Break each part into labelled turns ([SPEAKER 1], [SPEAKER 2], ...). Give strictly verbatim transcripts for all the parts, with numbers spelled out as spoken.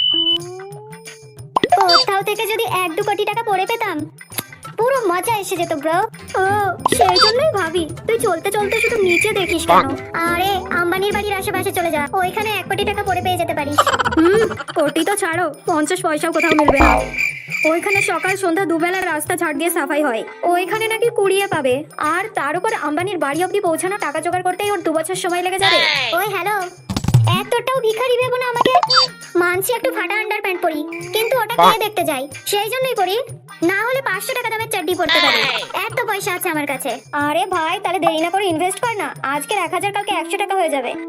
[SPEAKER 1] কোথাও থেকে যদি এক দু কোটি টাকা পড়ে পেতাম পুরো মজা এসে যেত ব্রো। ও সেই জন্যই ভাবি তুই চলতে চলতে শুধু নিচে দেখিস কেন? আরে আম্বানির বাড়ির আশেপাশে চলে যা, ওইখানে এক কোটি টাকা পড়ে পেয়ে যেতে পারিস।
[SPEAKER 2] হুম, কোটি তো ছাড়ো, পঞ্চাশ পয়সাও কোথাও মিলবে না। ওইখানে সকাল সন্ধ্যা দুবেলার রাস্তা ঝাড় দিয়ে সাফাই হয়, ওইখানে নাকি কুড়িয়ে পাবে। আর তার উপর আম্বানির বাড়ি অব্দি পৌঁছানো টাকা জোগাড় করতেই ওর দু বছর সময় লেগে যাবে।
[SPEAKER 1] ওই হ্যালো, এতটাও ভিখারি ভেবো না আমাকে। মানছি একটু ফাটা আন্ডার প্যান্ট পরি, কিন্তু ওটা কে দেখতে যাই সেই জন্যই পরি, না হলে পাঁচশো টাকা দামের চাড্ডি পড়তে পারি, এত পয়সা আছে আমার কাছে।
[SPEAKER 2] আরে ভাই, তাহলে দেরি না করে ইনভেস্ট কর না, আজকের এক হাজার কালকে একশো টাকা হয়ে যাবে।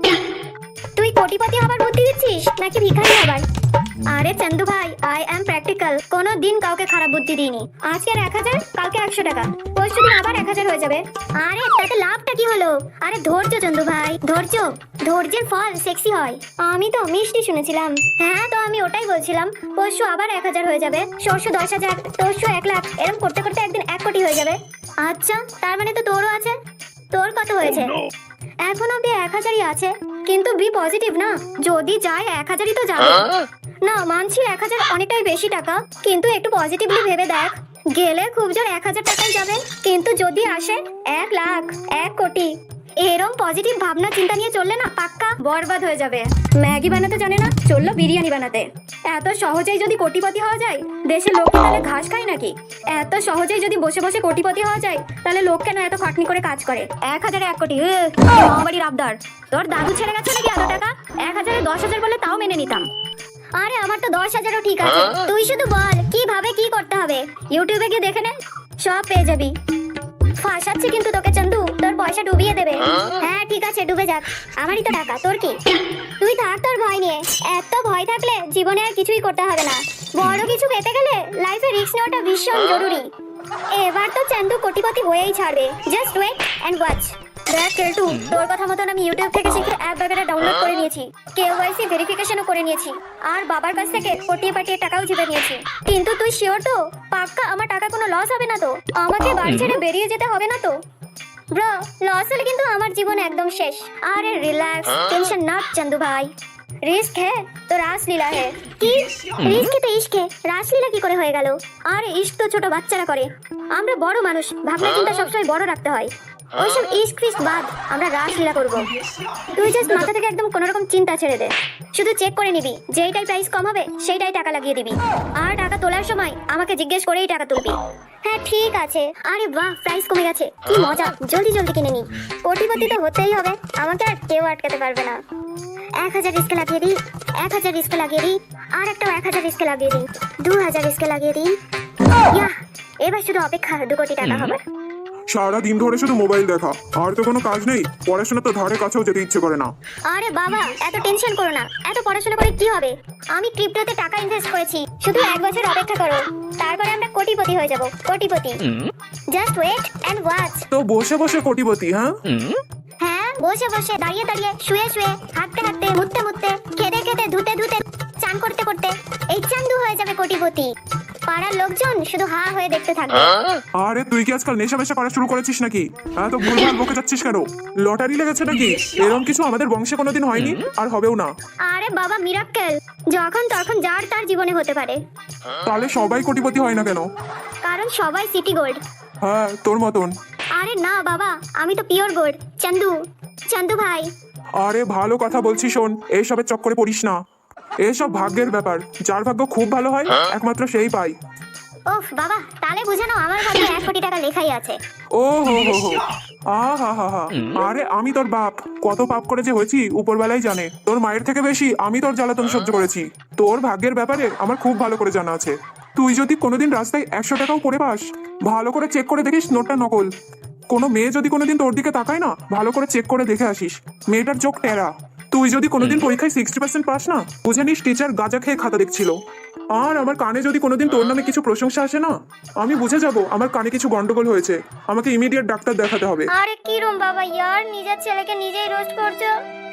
[SPEAKER 1] তুই কোটিপতি হবার বুদ্ধি দিচ্ছিস নাকি ভিখারি হবার?
[SPEAKER 2] আরে চন্দু ভাই, আই এম প্র্যাকটিক্যাল, কোনো দিন কাউকে খারাপ বুদ্ধি দিইনি। আজকের এক হাজার কালকে একশো টাকা, পরশু দিন আবার এক হাজার হয়ে যাবে।
[SPEAKER 1] আরে তাতে লাভটা কি হলো? আরে ধৈর্য চন্দু ভাই, ধৈর্য, ধৈর্যের ফল সেক্সি হয়।
[SPEAKER 2] আমি তো মিষ্টি শুনেছিলাম।
[SPEAKER 1] হ্যাঁ তো আমি ওটাই বলছিলাম, পরশু আবার এক হাজার হয়ে যাবে, সরশু দশ হাজার, তরশু এক লাখ, এরকম করতে করতে একদিন এক কোটি হয়ে যাবে।
[SPEAKER 2] আচ্ছা, তার মানে তো তোরও আছে।
[SPEAKER 1] তোর কত হয়েছে?
[SPEAKER 2] এখন অব্দি এক হাজারই আছে, কিন্তু বি পজিটিভ না, যদি যায় এক হাজারই তো যাবে। না মানছি এক হাজার অনেকটাই বেশি টাকা, কিন্তু একটু পজিটিভলি ভেবে দেখ, গেলে খুব জোর এক হাজার টাকাই যাবে, কিন্তু যদি আসে এক লাখ, এক কোটি, এরম পজিটিভ ভাবনা চিন্তা নিয়ে চললে না পাক্কা বরবাদ হয়ে যাবে। ম্যাগি বানাতে জানে না, চললো বিরিয়ানি বানাতে। এত সহজেই যদি কোটিপতি হওয়া যায়, দেশের লোক তাহলে ঘাস খায় নাকি? এত সহজেই যদি বসে বসে কোটিপতি হওয়া যায়, তাহলে লোক কেন এত খাটনি করে কাজ করে? এক হাজারে এক কোটি, বাড়ির আবদার। তোর দাদু ছেড়ে গেছে নাকি এত টাকা? এক হাজারে দশ হাজার বলে তাও মেনে নিতাম।
[SPEAKER 1] আরে আমার তো দশ হাজারও ঠিক আছে, তুই শুধু বল কিভাবে কি করতে হবে,
[SPEAKER 2] ইউটিউবে গিয়ে দেখে নে, সব পেয়ে যাবি।
[SPEAKER 1] ফাঁসাচ্ছি কিন্তু তোকে চন্দু, তোর পয়সা ডুবিয়ে দেবে। হ্যাঁ ঠিক আছে, ডুবে যাক, আমারই তো টাকা, তোর কি? তুই থাক তোর ভয় নিয়ে, এত ভয় থাকলে জীবনে আর কিছুই করতে হবে না। বড় কিছু পেতে গেলে লাইফে রিস্ক নেওয়াটা ভীষণ জরুরি। এবার তো চন্দু কোটিপতি হয়েই ছাড়বে, জাস্ট ওয়েট এন্ড ওয়াচ।
[SPEAKER 2] দেখ কেলটু, তোর কথা মতন আমি ইউটিউব থেকে শিখে অ্যাপ বাগেরা ডাউনলোড করে নিয়েছি, কেওয়াইসি ভেরিফিকেশনও করে নিয়েছি, আর বাবার কাছ থেকে পটিয়ে পাটিয়ে টাকাও জিতে নিয়েছি। কিন্তু তুই শিওর তো পাক্কা আমার টাকা কোনো লস হবে না তো? আমাকে বাড়ি ছেড়ে বেরিয়ে যেতে হবে না তো?
[SPEAKER 1] ব্রো, লস হলে কিন্তু আমার জীবন একদম শেষ।
[SPEAKER 2] আরে রিল্যাক্স, টেনশন নট চন্দু ভাই, রিস্ক হ্যাঁ তো রাসলীলা হ্যাঁ।
[SPEAKER 1] কি রিস্কে তো ইশকে, রাসলীলা কি করে হয়ে গেল?
[SPEAKER 2] আর ইস্ক তো ছোট বাচ্চারা করে, আমরা বড় মানুষ, ভাবনা চিন্তা সবসময় বড় রাখতে হয়। ওইসব ইস্ক ফিস্ক বাদ, আমরা রাসলীলা করবো। তুই জাস্ট মাথা থেকে একদম কোনো রকম চিন্তা ছেড়ে দে, শুধু চেক করে নিবি, যেইটাই প্রাইস কম হবে সেইটাই টাকা লাগিয়ে দিবি, আর টাকা তোলার সময় আমাকে জিজ্ঞেস করেই টাকা তুলবি।
[SPEAKER 1] হ্যাঁ ঠিক আছে। আরে বাহ, প্রাইস কমে গেছে, কি মজা, জলদি জলদি কিনে নি। কোটিপতি তো হতেই হবে, আমাকে আর কেউ আটকাতে পারবে না। এক হাজার রিস্কে লাগিয়ে দিই, এক হাজার রিস্কে লাগিয়ে দিই, আর একটা এক হাজার রিস্কে লাগিয়ে দিই, দু হাজার রিস্কে লাগিয়ে দিই। ইয়াহ, এবার শুধু অপেক্ষা দু কোটি টাকা হবার।
[SPEAKER 3] সারা দিন ধরে শুধু মোবাইল দেখা, আর তো কোনো কাজ নেই, পড়াশোনা তো ধারে কাছেও যেতে ইচ্ছে করে না।
[SPEAKER 1] আরে বাবা, এত টেনশন করো না, এত পড়াশোনা করে কি হবে? আমি ক্রিপ্টোতে টাকা ইনভেস্ট করেছি, শুধু এক বছর অপেক্ষা করো, তারপরে আমরা কোটিপতি হয়ে যাব, কোটিপতি। Just wait and watch.
[SPEAKER 3] তো বসে বসে কোটিপতি? হ্যাঁ
[SPEAKER 1] হ্যাঁ, বসে বসে, দাঁড়িয়ে দাঁড়িয়ে, শুয়ে শুয়ে, হাঁটতে হাঁটতে, মুততে মুততে, খেতে খেতে, ধুতে ধুতে, চান করতে করতে, এই চান্দু হয়ে যাবে কোটিপতি। পাড়ার লোকজন শুধু হা হয়ে দেখতে থাকবে।
[SPEAKER 3] আরে তুই কি আজকাল নেশা মেশা করা শুরু করেছিস নাকি? হ্যাঁ তো ভুলভাল বকে যাচ্ছিস কেন? লটারি লেগেছে নাকি? এরকম কিছু আমাদের বংশে কোনোদিন হয়নি, আর হবেও না।
[SPEAKER 1] আরে বাবা, মিরাক্কেল যখন তখন যার তার জীবনে হতে পারে।
[SPEAKER 3] তাহলে সবাই কোটিপতি হয় না কেন?
[SPEAKER 1] কারণ সবাই সিটি গোল্ড।
[SPEAKER 3] হ্যাঁ তোর মতন।
[SPEAKER 1] আরে না বাবা, আমি তো পিওর গোল্ড। চন্দু, চন্দু ভাই।
[SPEAKER 3] আরে ভালো কথা বলছি শোন, এইসবের চক্করে পড়িস না, এসব ভাগ্যের ব্যাপার, যার ভাগ্য খুব ভালো হয় একমাত্র সেই পায়।
[SPEAKER 1] ওফ বাবা, তাহলে বুঝানো আমার ভাগ্যে এক কোটি টাকা লেখাই আছে।
[SPEAKER 3] ও হো হো হো, আ হা হা হা। আরে আমি তোর বাপ, কত পাপ করে যে হয়েছি উপরবেলাই জানে। তোর মায়ের থেকে বেশি আমি তোর জ্বালাতন সহ্য করেছি। তোর ভাগ্যের ব্যাপারে আমার খুব ভালো করে জানা আছে। তুই যদি কোনোদিন রাস্তায় একশো টাকাও পড়ে পাস, ভালো করে চেক করে দেখিস নোটটা নকল। কোনো মেয়ে যদি কোনোদিন তোর দিকে তাকায় না, ভালো করে চেক করে দেখে আসিস মেয়েটার চোখ টেরা। তুই যদি কোনোদিন পরীক্ষায় সিক্সটি পার্সেন্ট পাস না, বুঝে নিস টিচার গাঁজা খেয়ে খাতা দেখছিল। আর আমার কানে যদি কোনোদিন তোর নামে কিছু প্রশংসা আসে না, আমি বুঝে যাব আমার কানে কিছু গন্ডগোল হয়েছে, আমাকে ইমিডিয়েট ডাক্তার দেখাতে হবে।
[SPEAKER 1] আরে কি রুম বাবা, ইয়ার নিজের ছেলেকে নিজেই রোস্ট করছো।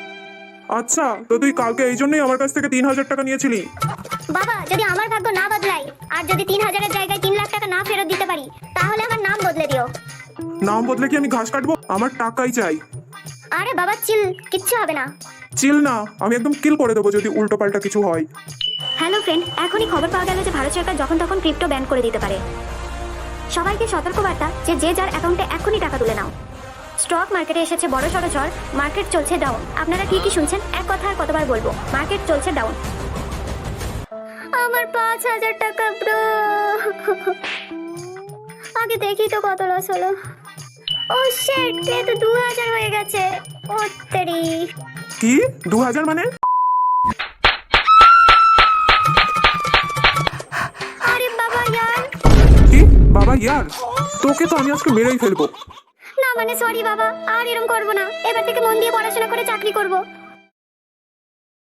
[SPEAKER 3] আচ্ছা, তো তুই কালকে এই জন্যই আমার কাছ থেকে তিন হাজার টাকা নিয়েছিলি?
[SPEAKER 1] বাবা, যদি আমার ভাগ্য না বদলাই, আর যদি তিন হাজারের জায়গায় তিন লাখ টাকা না ফেরত দিতে পারি, তাহলে আমার নাম বদলে দিও।
[SPEAKER 3] নাম বদলে কি আমি ঘাস কাটবো? আমার টাকাই চাই।
[SPEAKER 1] আরে বাবা চিল, কিচ্ছু হবে না।
[SPEAKER 3] চিল না, আমি একদম কিল করে দেবো যদি উল্টো পাল্টা কিছু হয়।
[SPEAKER 1] হ্যাঁ
[SPEAKER 2] হ্যালো ফ্রেন্ড, এখনই খবর পাওয়া গেল যে ভারত সরকার যখন তখন ক্রিপ্টো ব্যান করে দিতে পারে। সবাইকে সতর্কবার্তা যে যে যার অ্যাকাউন্টে এখনই টাকা তুলে নাও। স্টক মার্কেটে এসেছে বড় সড়ো ঝড়, মার্কেট চলছে ডাউন। আপনারা কি কি শুনছেন, এক কথা আর কতবার বলবো, মার্কেট চলছে ডাউন।
[SPEAKER 1] আমার পাঁচ হাজার টাকা ব্রো। আগে দেখি তো কত লস হলো। ও শিট, এ তো দু হাজার হয়ে গেছে। ও তেরি।
[SPEAKER 3] কি দু হাজার মানে?
[SPEAKER 1] আরে বাবা ইয়ার।
[SPEAKER 3] কি বাবা ইয়ার, তোকে তো আমি আজকে মেরেই ফেলবো।
[SPEAKER 1] না মানে সরি বাবা, আর এরকম করবো না। এবার থেকে মন দিয়ে পড়াশোনা করে চাকরি করব।